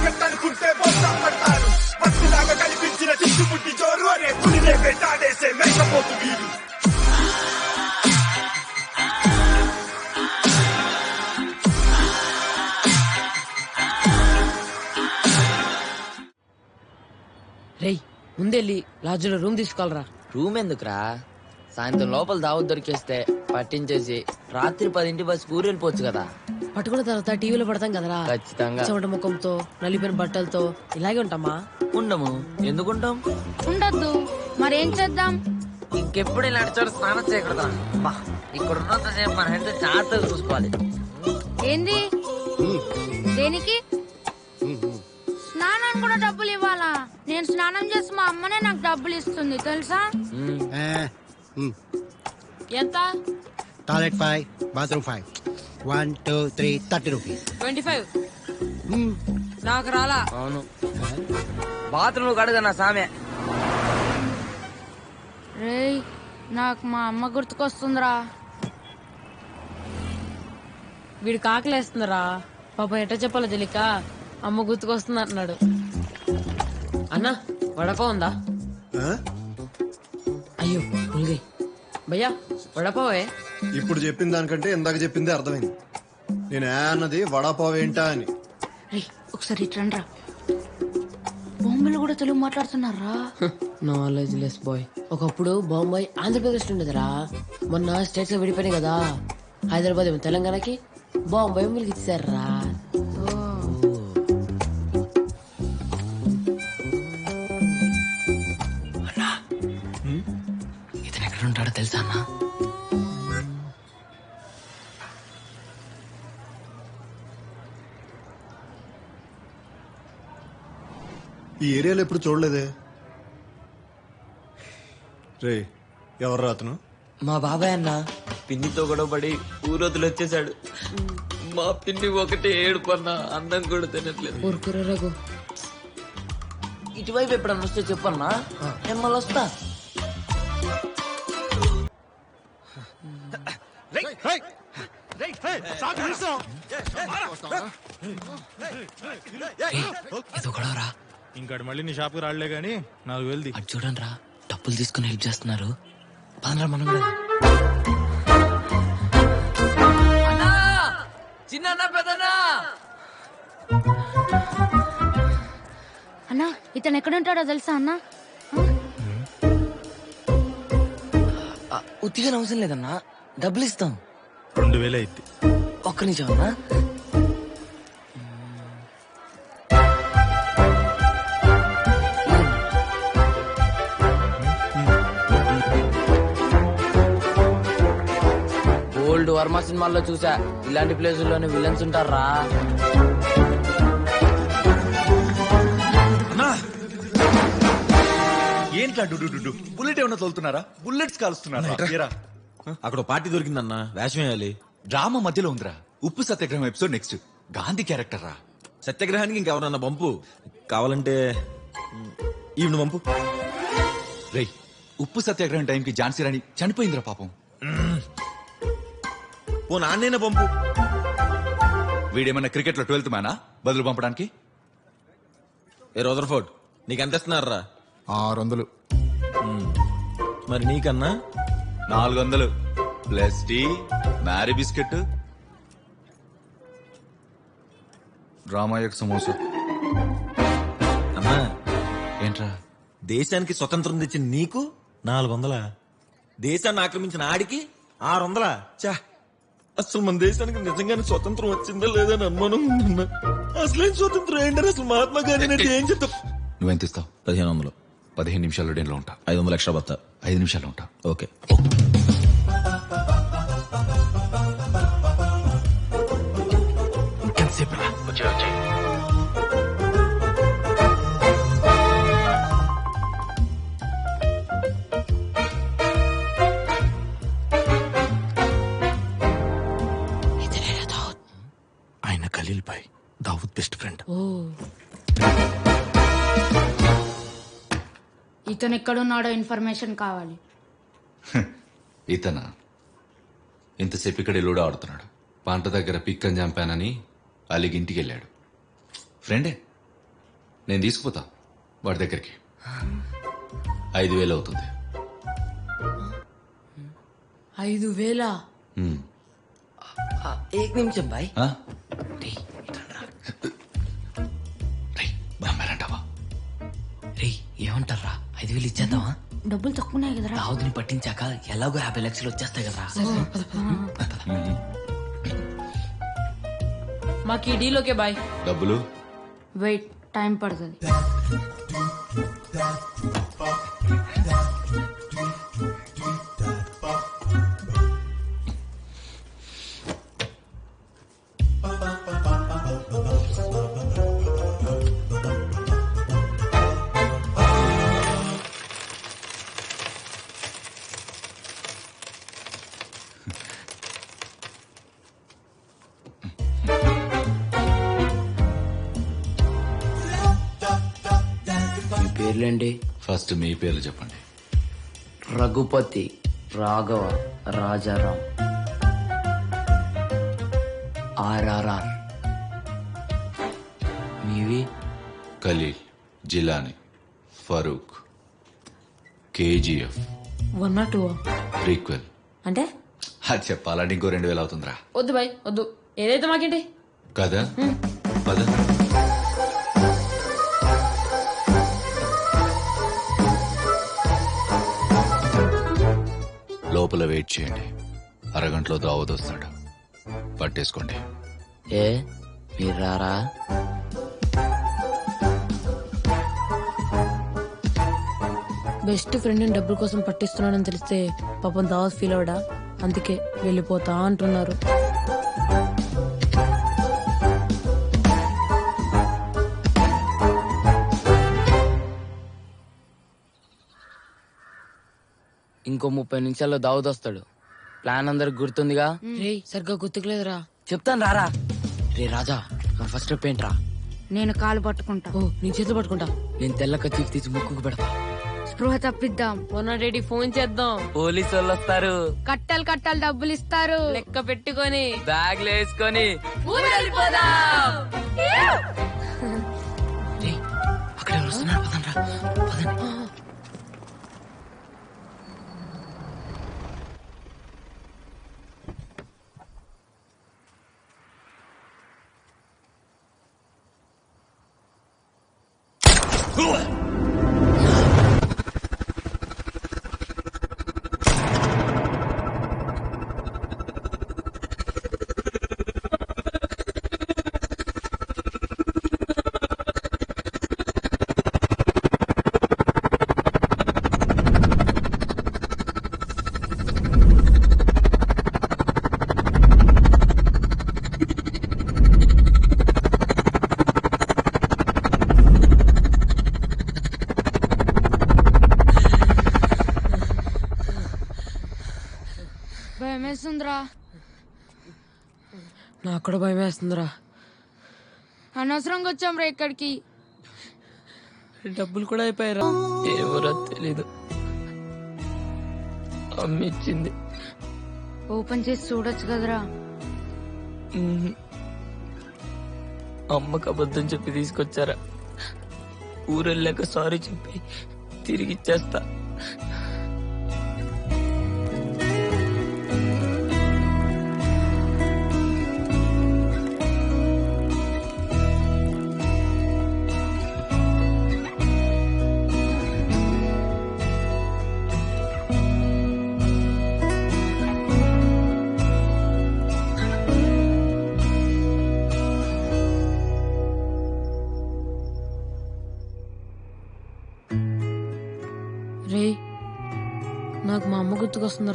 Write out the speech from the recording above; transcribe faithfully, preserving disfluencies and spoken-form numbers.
కట్టనుకుంటే బొత్తం పడతారు. పట్టులాగా కనిపించిన చిట్టుముట్టి జోరు అనే పులినే పెట్టాడేసే మేకపోతు వీడు. రేయ్ ముందెళ్ళి లాడ్జ్లో రూమ్ తీసుకోవాలరా. రూమ్ ఎందుకురా, సాయంత్రం లోపల దావత్ దొరికేస్తే పట్టించేసి రాత్రి పదింటి బస్ ఊరు వెళ్ళిపోవచ్చు కదా. పట్టుకున్న తర్వాత టీవీలో పడతాం కదరా. ఖచ్చితంగా చెమట ముఖంతో నలిపిన బట్టలతో ఇలాగే ఉంటామా? ఉండము. ఎందుకుంటాం? ఉండద్దు. మరేం చేద్దాం? ఇంకెప్పుడు ఇలాంటి చోట స్నానం చేయకూడదా? ఇక్కడ ఉన్నంతసేపు మన హెల్త్ జాగ్రత్తగా చూసుకోవాలి. ఏంది? దేనికి? స్నానం కూడా డబ్బులు ఇవ్వాలా? నేను స్నానం చేసి మా అమ్మనే నాకు డబ్బులు ఇస్తుంది తెలుసా? ఎంత? Toilet five, bathroom five. One two three thirty rupees. Twenty five నాకు రాలా. అవును, బాత్రూమ్ కడగనా సామె. రేయ్ నాకు మా అమ్మ గుర్తుకొస్తుందిరా. వీడు కాకలేస్తుందిరా పాప. ఎట్ట చెప్పాలో తెలియక అమ్మ గుర్తుకొస్తుంది అంటున్నాడు. అన్నా వడపావ్ ఉందా? అయ్యో పులిగి భయ్యా వడపావే. ఇప్పుడు చెప్పిన దానికంటే ఇందాక చెప్పిందే అర్థమైంది. నేను ఏ అన్నది వడాపావ్ ఏంటా అని. ఒకసారి ఇట్రండ్రా. బాంబేలో కూడా తెలుగు మాట్లాడుతున్నారా? Knowledge less boy. ఒకప్పుడు బాంబాయి ఆంధ్రప్రదేశ్ ఉండేదిరా. మొన్న స్టేట్స్ లో విడిపోయినాయి కదా. హైదరాబాద్ ఏమో తెలంగాణకి, బాంబాయి మిలికి ఇచ్చారా. ఇతను ఎక్కడ ఉంటాడో తెలుసా అన్న? ఈ ఏరియాలో ఎప్పుడు చూడలేదే. రే ఎవరు అతను? మా బాబాయ్ అన్న. పిన్నితో గొడవపడి ఊరొద్దులు వచ్చేసాడు. మా పిన్ని ఒకటే ఏడుపు అన్న, అన్నం కూడా తినట్లేదు. ఊరుకురా రఘు. ఇటువైపు ఎప్పుడన్నా వస్తే చెప్పన్నా, నేను మళ్ళీ వస్తా. ఏదో గొడవరా. ఇంకాడు మళ్ళీ నీ షాప్కి రాళ్లే గానీ నాలుగు వేలుది. అటు చూడండి రా, డబ్బులు తీసుకుని హెల్ప్ చేస్తున్నారు. పదరా మనం కూడా. చిన్న పెద్దనా అన్నా ఇతను ఎక్కడ ఉంటాడో తెలుసా అన్నా? ఉత్తిగా అవసరం లేదన్నా, డబ్బులు ఇస్తాం. రెండు వేలు అయింది. ఒక్క నిమిషం అన్నా. ఓల్డ్ వర్మ సినిమాల్లో చూసా, ఇలాంటి ప్లేసుల్లోనే విలన్స్ ఉంటారా. ఏంట్లా డు బుల్లెట్ ఏమన్నా తోలుతున్నారా? బుల్లెట్స్ కాలుస్తున్నారా? అక్కడ పార్టీ దొరికిందన్నా, వేషం వేయాలి. డ్రామా మధ్యలో ఉందిరా. ఉప్పు సత్యాగ్రహం ఎపిసోడ్ నెక్స్ట్. గాంధీ క్యారెక్టర్ రా. సత్యాగ్రహానికి ఇంకెవరన్నా పంపు. కావాలంటే ఈవిడ పంపు. రేయ్, ఉప్పు సత్యాగ్రహం టైంకి ఝాన్సీ రాణి చనిపోయిందిరా పాపం. ఓ నాన్నైనా పంపు. వీడేమన్నా క్రికెట్ లో ట్వెల్త్ మ్యానా బదులు పంపడానికి? ఏ రదర్ఫోర్డ్, నీకెంత ఇస్తున్నారా? ఆరు వందలు. మరి నీకన్నా? నాలుగు వందలు ప్లస్ టీ, మ్యారీ బిస్కెట్, డ్రామాయక్ సమోసా. అమ్మా ఏంట్రా? దేశానికి స్వతంత్రం తెచ్చిన నీకు నాలుగు వందలా? దేశాన్ని ఆక్రమించిన ఆడికి ఆరు వందలా? చా, అసలు మన దేశానికి నిజంగానే స్వతంత్రం వచ్చిందా లేదని అనుమానం ఉందన్నా. అసలేం స్వతంత్రం ఏంటని అసలు మహాత్మా గాంధీ ఏం చెప్తా. నువ్వెంత ఇస్తావు? పదిహేను వందలు. పదిహేను నిమిషాల్లో డేన్లో ఉంటా. ఐదు వందలు ఎక్స్ట్రా బత్తా. ఐదు నిమిషాల్లో ఉంటా. ఓకే. ఇంకెంతసేపు రా? వచ్చే వచ్చే. ఆయన ఖలీల్ భాయ్, దావూద్ బెస్ట్ ఫ్రెండ్. ఓ ఇతను ఎక్కడున్నాడో ఇన్ఫర్మేషన్ కావాలి. ఇతనా? ఇంతసేపు ఇక్కడ లూడో ఆడుతున్నాడు. పంట దగ్గర పిక్కని చంపానని అలిగి ఇంటికి వెళ్ళాడు. ఫ్రెండే నేను తీసుకుపోతా వాడి దగ్గరికి. ఐదు వేలు అవుతుంది. ఐదు వేల హ్మ్. ఏక్ నిమిషం బాయ్. ఆ? రేయ్, నమ్మారంటావా? రేయ్ ఏమంటారా ఐదు వేలు ఇచ్చేద్దామా? డబ్బులు తక్కువనే కదరా. దావుదిని పట్టించాక ఎలాగో యాభై లక్షలు వచ్చేస్తాయి కదరా. మాకు ఈ డీల్ ఓకే బాయ్. డబ్బులు వెయిట్, టైం పడుతుంది. మీ పేర్లేంటి? ఫస్ట్ మీ పేర్లు చెప్పండి. రఘుపతి, రాఘవ, రాజారాం, ఆర్ఆర్ఆర్. మీవి? Khalil, Jilani, Farooq, KGF, one not two prequel. అంటే అది చెప్పాలంటే ఇంకో రెండు వేలు అవుతుందిరా. వద్దు బాయ్ వద్దు, ఏదైతే మాకేంటి. కదా పద. లోపల వెయిట్ చేయండి, అరగంటలో దావత్ వస్తాడు. పట్టేసుకోండి. ఏ మీరు రారా? బెస్ట్ ఫ్రెండ్ డబ్బుల కోసం పట్టిస్తున్నానని తెలిస్తే పాపం దావత్ ఫీల్ అవడా, అందుకే వెళ్ళిపోతా అంటున్నారు. ఇంకో ముప్పై నిమిషాల్లో దావుద్ వస్తాడు. ప్లాన్ అందరికి గుర్తుందిగా? రే సరిగ్గా గుర్తుకులేదురా. చెప్తాను రారా. రే రాజా, మన ఫస్ట్ స్టెప్ ఏంట్రా? నేను కాలు పట్టుకుంటా. ఓ నీ చేతులు పట్టుకుంటా. నేను తెల్ల కత్తి తీసి ముక్కుకు పెడతా. స్పృహ తప్పిద్దాం. వన్ నాట్ ఎయిట్ ఫోన్ చేద్దాం. పోలీసు వాళ్ళు వస్తారు. కట్టలు కట్టలు డబ్బులు ఇస్తారు. లెక్క పెట్టుకొని బ్యాగ్లు వేసుకొని అక్కడ ఎవరు వస్తున్నారు? పదండ్రా, పదండి. భయం వేస్తుందిరా. నాకు కూడా భయం వేస్తుందిరా. అనవసరంగా వచ్చాం రా ఇక్కడికి. డబ్బులు కూడా అయిపోయారా? ఎవరో తెలీదు, అమ్మిచ్చింది. ఓపెన్ చేసి చూడొచ్చు కదరా. అమ్మకు అబద్ధం చెప్పి తీసుకొచ్చారా? ఊరెళ్ళాక సారీ చెప్పి తిరిగి ఇచ్చేస్తా. రే నాకు మా అమ్మ గుర్తుకొస్తుంది.